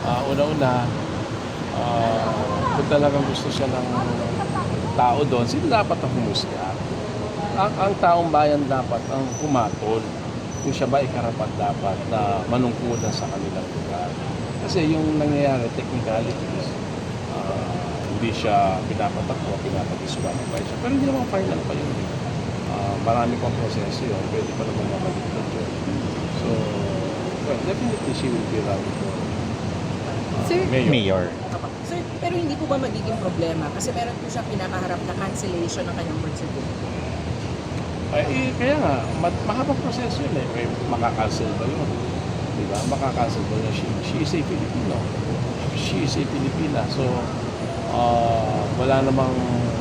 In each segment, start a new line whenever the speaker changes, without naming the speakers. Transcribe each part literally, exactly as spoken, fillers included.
Uh, una-una, uh, kung talagang gusto siya ng tao doon, sila dapat ang humusga. Ang, ang taong bayan dapat ang humatol kung siya ba ay karapat dapat na manungkulan sa kanilang lugar. Kasi yung nangyayari, technicalities, uh, hindi siya pinapatakbo, pinapag-disqualify siya. Pero hindi naman final pa yun. Uh, marami pang proseso yun, pwede pa naman makaligtad yun. So, well, definitely she will be running for uh,
Sir,
mayor.
Mayor.
Sir, pero hindi po ba magiging problema? Kasi meron po siya pinakaharap na cancellation ng kanyang birth certificate.
Ay, eh, kaya nga, ma- mahabang proseso yun eh. May makakancel ba yun? Diba? Makakancel ba yun? She, she is a Filipino. She is a Filipina. So, uh, wala namang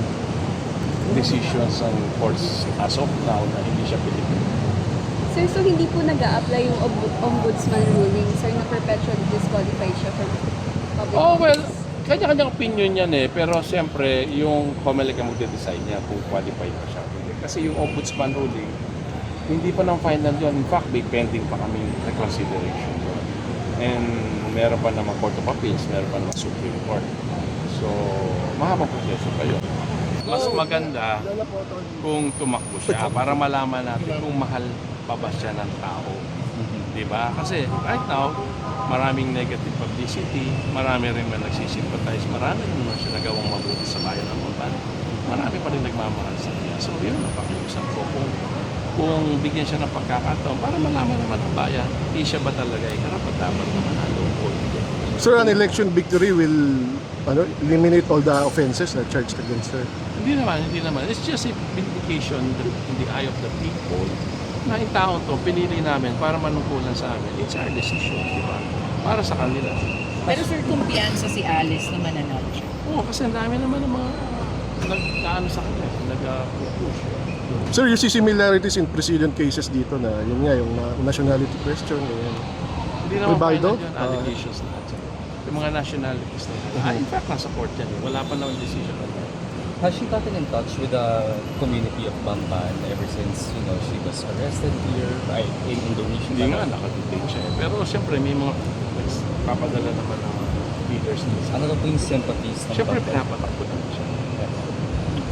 decisions ng courts as of now na hindi siya Filipino.
sir, so hindi po nag-a-apply yung ombud- ombudsman ruling, sir, na perpetually disqualify siya from public
Oh, well,
office?
kanya-kanyang opinion yan eh. Pero siyempre, yung COMELEC ang magde-decide niya kung qualified pa siya. Kasi yung ombudsman ruling, hindi pa ng final yun. In fact, may pending pa kami reconsideration doon. And meron pa naman Court of Appeals, meron pa naman Supreme Court. So, mahabang proseso pa yun. Mas maganda kung tumakbo siya para malaman natin kung mahal pa ba siya ng tao. Diba? Kasi right now, maraming negative publicity, marami rin man nagsisympathize, marami rin naman siya nagawang mabuti sa bayan ng Montan. Marami pa rin nagmamahal sa kanya. So yun ang pakiusap ko kung, kung bigyan siya ng pagkakataon para malaman naman ang bayan, hindi siya ba talaga ay karapat-dapat na manalo o hindi.
Sir, an election victory will ano, eliminate all the offenses na charged against her.
Hindi naman, hindi naman. It's just a vindication in the eye of the people na yung taong to, pinili namin para manungkulan sa amin. It's our decision, di ba? Para sa kanila.
Pero sir, kumpiyansa si Alice na mananalo siya.
Oo, kasi ang dami naman ng mga nag-ano sa kanya, nag-push.
Sir, you see similarities in precedent cases dito na yun nga, yung na- nationality question. Yun.
Hindi naman
Rivaldo?
final yun,
Ah.
allegations na yan. Yung mga nationalities na yun. Ah, in fact, nasa court yan. eh. Wala pa naman decision on that.
Has she gotten in touch with the community of Bamban ever since, you know, she was arrested here ay, in Indonesia?
Hindi nga, nakadetain siya. eh. Pero siyempre, may mga papadala naman ng mga leaders niya.
Ano daw po yung sympathies ng
Siyempre,
Bamban?
pinapatakbo naman siya.